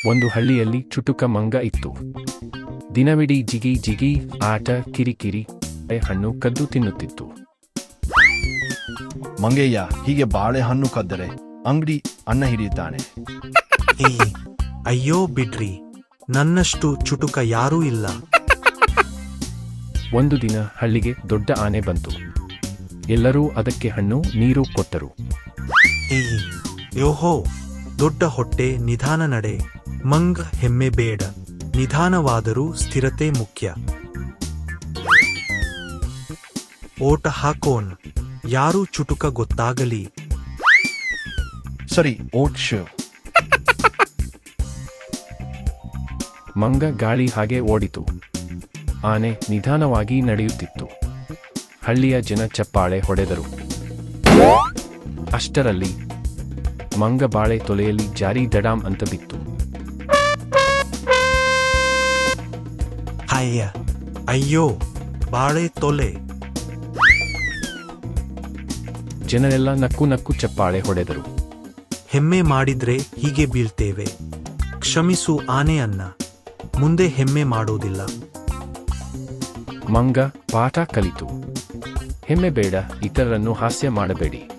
ಒಂದು ಹಳ್ಳಿಯಲ್ಲಿ ಚುಟುಕ ಮಂಗ ಇತ್ತು. ದಿನವಿಡೀ ಜಿಗಿ ಜಿಗಿ, ಆಟ, ಕಿರಿಕಿರಿ, ಹಣ್ಣು ಕದ್ದು ತಿನ್ನುತ್ತಿತ್ತು. ಮಂಗಯ್ಯ, ಹೀಗೆ ಬಾಳೆಹಣ್ಣು ಕದ್ದರೆ ಅಂಗಡಿ ಅನ್ನ ಹಿಡಿಯುತ್ತಾನೆ. ಏ ಅಯ್ಯೋ ಬಿಡ್ರಿ, ನನ್ನಷ್ಟು ಚುಟುಕ ಯಾರೂ ಇಲ್ಲ. ಒಂದು ದಿನ ಹಳ್ಳಿಗೆ ದೊಡ್ಡ ಆನೆ ಬಂತು. ಎಲ್ಲರೂ ಅದಕ್ಕೆ ಹಣ್ಣು ನೀರು ಕೊಟ್ಟರು. ಏ ಯೋಹೋ, ದೊಡ್ಡ ಹೊಟ್ಟೆ, ನಿಧಾನ ನಡೆ. ಮಂಗ್ ಹೆಮ್ಮೆ ಬೇಡ, ನಿಧಾನವಾದರೂ ಸ್ಥಿರತೆ ಮುಖ್ಯ. ಓಟ ಹಾಕೋನ್, ಯಾರು ಚುಟುಕ ಗೊತ್ತಾಗಲಿ. ಸರಿ, ಓಟ್ ಶೋ. ಮಂಗ ಗಾಳಿ ಹಾಗೆ ಓಡಿತು. ಆನೆ ನಿಧಾನವಾಗಿ ನಡೆಯುತ್ತಿತ್ತು. ಹಳ್ಳಿಯ ಜನ ಚಪ್ಪಾಳೆ ಹೊಡೆದರು. ಅಷ್ಟರಲ್ಲಿ ಮಂಗ ಬಾಳೆ ತೊಲೆಯಲ್ಲಿ ಜಾರಿ ದಡಾಮ್ ಅಂತ ಬಿತ್ತು. ಅಯ್ಯ ಅಯ್ಯೋ, ಬಾಳೆ ತೊಲೆ. ಜನರೆಲ್ಲ ನಕ್ಕು ನಕ್ಕು ಚಪ್ಪಾಳೆ ಹೊಡೆದರು. ಹೆಮ್ಮೆ ಮಾಡಿದ್ರೆ ಹೀಗೆ ಬೀಳ್ತೇವೆ. ಕ್ಷಮಿಸು ಆನೆ ಅನ್ನ, ಮುಂದೆ ಹೆಮ್ಮೆ ಮಾಡೋದಿಲ್ಲ. ಮಂಗ ಪಾಠ ಕಲಿತು. ಹೆಮ್ಮೆ ಬೇಡ, ಇತರರನ್ನು ಹಾಸ್ಯ ಮಾಡಬೇಡಿ.